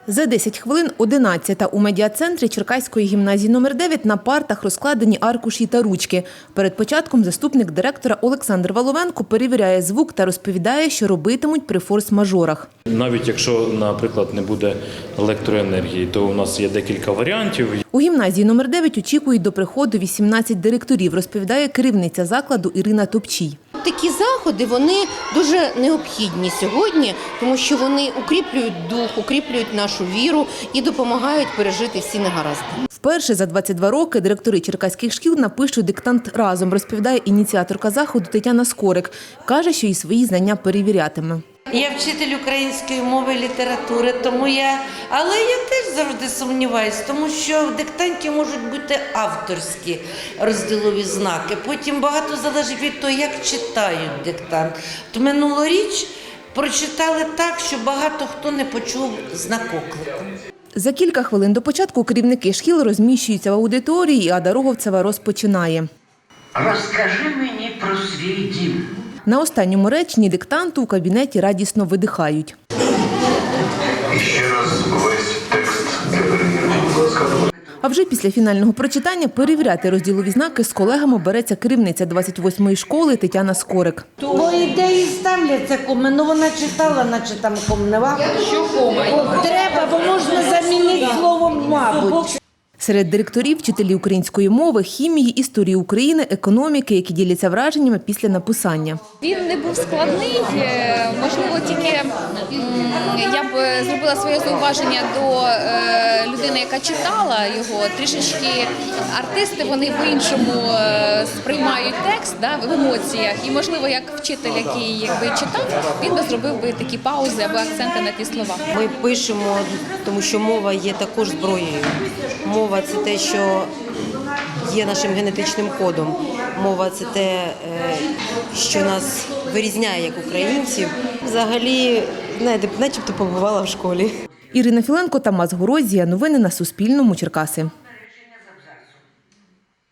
За 10 хвилин 11-та у медіа-центрі Черкаської гімназії номер 9 на партах розкладені аркуші та ручки. Перед початком заступник директора Олександр Воловенко перевіряє звук та розповідає, що робитимуть при форс-мажорах. Навіть якщо, наприклад, не буде електроенергії, то у нас є декілька варіантів. У гімназії номер 9 очікують до приходу 18 директорів, розповідає керівниця закладу Ірина Топчій. Такі заходи, вони дуже необхідні сьогодні, тому що вони укріплюють дух, укріплюють нашу віру і допомагають пережити всі негаразди. Вперше за 22 роки директори черкаських шкіл напишуть диктант разом, розповідає ініціаторка заходу Тетяна Скорик. Каже, що і свої знання перевірятиме. Я вчитель української мови і літератури, але я теж завжди сумніваюся, тому що в диктанті можуть бути авторські розділові знаки. Потім багато залежить від того, як читають диктант. Минулоріч прочитали так, що багато хто не почув знак оклику. За кілька хвилин до початку керівники шкіл розміщуються в аудиторії, і Ада Роговцева розпочинає. Розкажи мені про свій дім. На останньому реченні диктанту у кабінеті радісно видихають. І ще раз весь текст для перевірки, будь ласка. А вже після фінального прочитання перевіряти розділові знаки з колегами береться керівниця 28-ї школи Тетяна Скорик. По ідеї ставляться коми, ну вона читала, наче там ком не варто. Що кома? Треба, бо можна замінити словом «мабуть». Серед директорів – вчителі української мови, хімії, історії України, економіки, які діляться враженнями після написання. Він не був складний, можливо, тільки я б зробила своє зауваження до людини, яка читала його. Трішечки артисти, вони по-іншому сприймають текст в емоціях. І, можливо, як вчитель, який читав, він би зробив такі паузи або акценти на ті слова. Ми пишемо, тому що мова є також зброєю. Мова – це те, що є нашим генетичним кодом. Мова – це те, що нас вирізняє як українців. Взагалі, начебто побувала в школі. Ірина Філенко, Тамас Горозія. Новини на Суспільному. Черкаси.